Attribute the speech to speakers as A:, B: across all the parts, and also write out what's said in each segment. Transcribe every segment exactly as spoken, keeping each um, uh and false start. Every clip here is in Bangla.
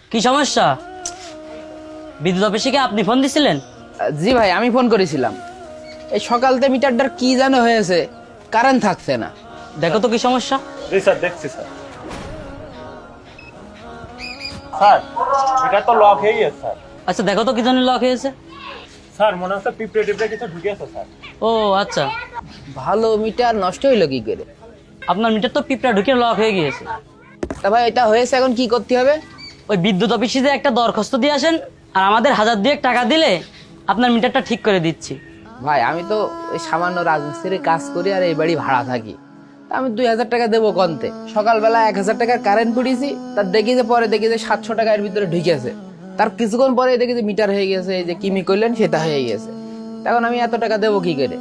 A: কি সমস্যা? বিদ্যুৎ অফিসে কি আপনি ফোন দিছিলেন?
B: জি ভাই, আমি ফোন করেছিলাম। এই সকালতে মিটারটার কি যেন হয়েছে, কারেন্ট থাকছে না।
A: দেখো তো কি সমস্যা।
C: জি স্যার, দেখছি স্যার। স্যার এটা তো লক হয়ে গেছে স্যার।
A: আচ্ছা দেখো তো কি জন্য লক হয়েছে।
C: স্যার মনে হচ্ছে পিঁপড়ে টিপড়ে কিছু ঢুকেছে স্যার।
A: ও আচ্ছা,
B: ভালো মিটার নষ্ট হইলো কি করে?
A: আপনার মিটার তো পিঁপড়া ঢুকে লক হয়ে গিয়েছে।
B: তা ভাই এটা হয়েছে, এখন কি করতে হবে?
A: ওই বিদ্যুৎ অফিসে যে একটা দরখাস্ত দিয়ে আসেন, আর আমাদের হাজার দুয়েক টাকা দিলে আপনার মিটারটা ঠিক করে দিচ্ছি।
B: ভাই আমি তো ওই সামান্য রাজমিস্ত্রির কাজ করি আর এই বাড়ি ভাড়া থাকি। তা আমি দুই হাজার টাকা দেবো কন্তে। সকালবেলা এক হাজার টাকার কারেন্ট পুড়িয়েছি, তার দেখি যে পরে দেখি যে সাতশো টাকার ভিতরে ঢুকেছে। তার কিছুক্ষণ পরে দেখি যে মিটার হয়ে গেছে, এই যে কিমি করলেন সেটা হয়ে গেছে। তখন আমি এত টাকা দেবো কি করে?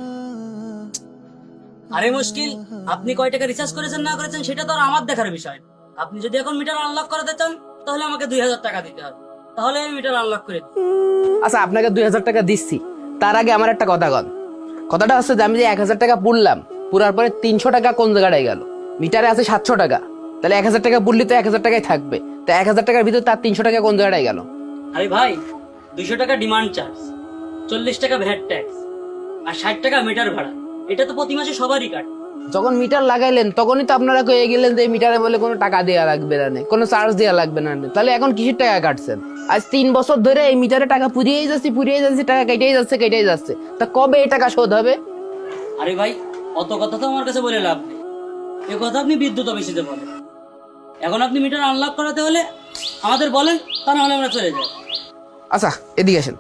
A: আরে মুশকিল, আপনি কয় টাকা রিচার্জ করেছেন না করেছেন সেটা তো আর আমার দেখার বিষয়। আপনি যদি এখন মিটার আনলক করাতে চান তাহলে আমাকে দুই হাজার টাকা দিতে হবে, তাহলে আমি মিটার আনলক করে দিই।
B: আচ্ছা আপনাকে দুই হাজার টাকা দিচ্ছি, তার আগে আমার একটা কথা কন। কথাটা হচ্ছে যে আমি যে এক হাজার টাকা পুড়লাম, পুরার পরে তিনশো টাকা কোন জায়গাটায় গেল? মিটারে আছে সাতশো টাকা, তাহলে এক হাজার টাকা পুড়লি তো এক হাজার টাকাই থাকবে। তো এক হাজার টাকার ভিতরে তার তিনশো টাকা কোন জায়গাটায় গেল?
A: আরে ভাই, দুইশো টাকা ডিমান্ড চার্জ, চল্লিশ টাকা ভ্যাট ট্যাক্স আর ষাট টাকা মিটার ভাড়া, এটা তো প্রতি মাসে সবারই কাটে।
B: যখন মিটার লাগাইলেন তখনই তো আপনারা কয়ে গেলেন যে এই মিটারে বলে কোনো টাকা দেওয়া লাগবে না, কোনো চার্জ দেওয়া লাগবে না। তাহলে এখন কিসের টাকা কাটছেন? আজ তিন বছর ধরে এই মিটারে টাকা পুড়িয়েই যাচ্ছে পুড়িয়েই যাচ্ছে, টাকা কেটেই যাচ্ছে কেটেই যাচ্ছে। তা কবে এই টাকা শোধ হবে?
A: আরে ভাই, অত কথা তো আমার কাছে বলে লাভ নেই, এ কথা আপনি বিদ্যুৎ অফিসে বলেন। এখন আপনি মিটার আনলক করাতে হলে আমাদের বলেন, তা নাহলে আমরা চলে যাই।
B: আচ্ছা এদিকে আসেন,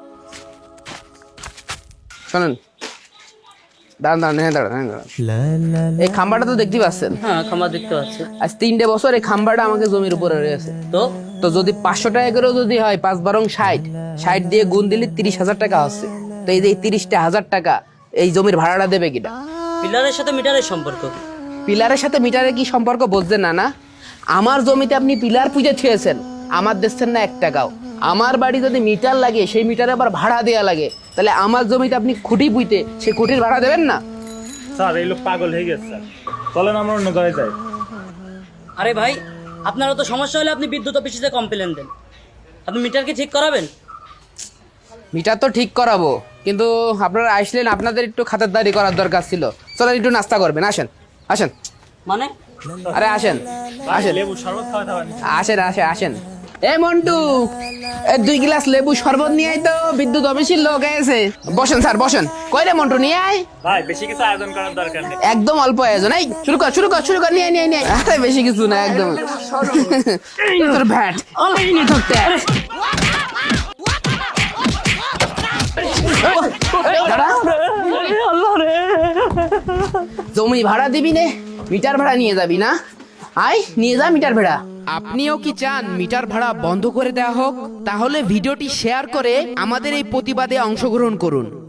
B: শোনেন। দাঁড়ান দাঁড়ান, হ্যাঁ দাঁড়ান হ্যাঁ দাঁড়ান। এই খাম্বাটা তো দেখতে পাচ্ছেন?
A: হ্যাঁ, খামার দেখতে পাচ্ছি।
B: আজ তিনটে বছর এই খাম্বাটা আমাকে জমির উপরে রয়েছে।
A: তো
B: তো যদি পাঁচশো টাকা করেও যদি হয়, পাঁচ বারং ষাট, ষাট দিয়ে গুণ দিলে তিরিশ হাজার টাকা হচ্ছে। তো এই যে এই তিরিশটা হাজার টাকা এই জমির ভাড়াটা দেবে কিনা?
A: পিলারের সাথে মিটারের সম্পর্ক কি?
B: পিলারের সাথে মিটারের কি সম্পর্ক বুঝছেন না? না, আমার জমিতে আপনি পিলার পুজো ছুঁয়েছেন, আমার দিচ্ছেন না এক টাকাও। আমার বাড়ি যদি মিটার লাগে, সেই মিটারে আবার ভাড়া দেওয়া লাগে, তাহলে আমার জমিতে আপনি খুঁটি পুঁতে সেই খুঁটির ভাড়া দেবেন না?
C: স্যার এই লোক পাগল হয়ে গেছে স্যার, চলেন আমরা অন্য জায়গায় যাই।
A: আরে ভাই, আপনারও তো সমস্যা হলে আপনি বিদ্যুৎ অফিসে কমপ্লেন দেন। আপনি মিটার কি ঠিক করাবেন?
B: মিটার তো ঠিক করাবো, কিন্তু আপনারা আসলেন, আপনাদের একটু খাতারদারি করার দরকার ছিল। চলেন একটু নাস্তা করবেন, আসেন আসেন।
A: মানে
B: আরে আসেন আসেন
C: লেবু শরবত খাওয়াতে হবে।
B: আসেন আসেন আসেন। এ মন্টু, এই দুই গ্লাস লেবু শরবত নিয়ে আয় তো, বিদ্যুৎ অফিসের লোক এসে। বসেন স্যার বসেন। কই রে মন্টু, নিয়ে আয়।
C: ভাই বেশি কিছু আয়োজন করার দরকার নেই,
B: একদম অল্প আয়োজন। এই শুরু কর শুরু কর শুরু কর, নিয়ে নিয়ে নিয়ে। আরে বেশি কিছু না, একদম। তোর ভ্যাট এই নিয়ে ধরতে। দাঁড়া। জমি ভাড়া দিবি নে, মিটার ভাড়া নিয়ে যাবি না? আয় নিয়ে যা মিটার ভাড়া। আপনিও কি চান মিটার ভাড়া বন্ধ করে দেওয়া হোক? তাহলে ভিডিওটি শেয়ার করে আমাদের এই প্রতিবাদে অংশগ্রহণ করুন।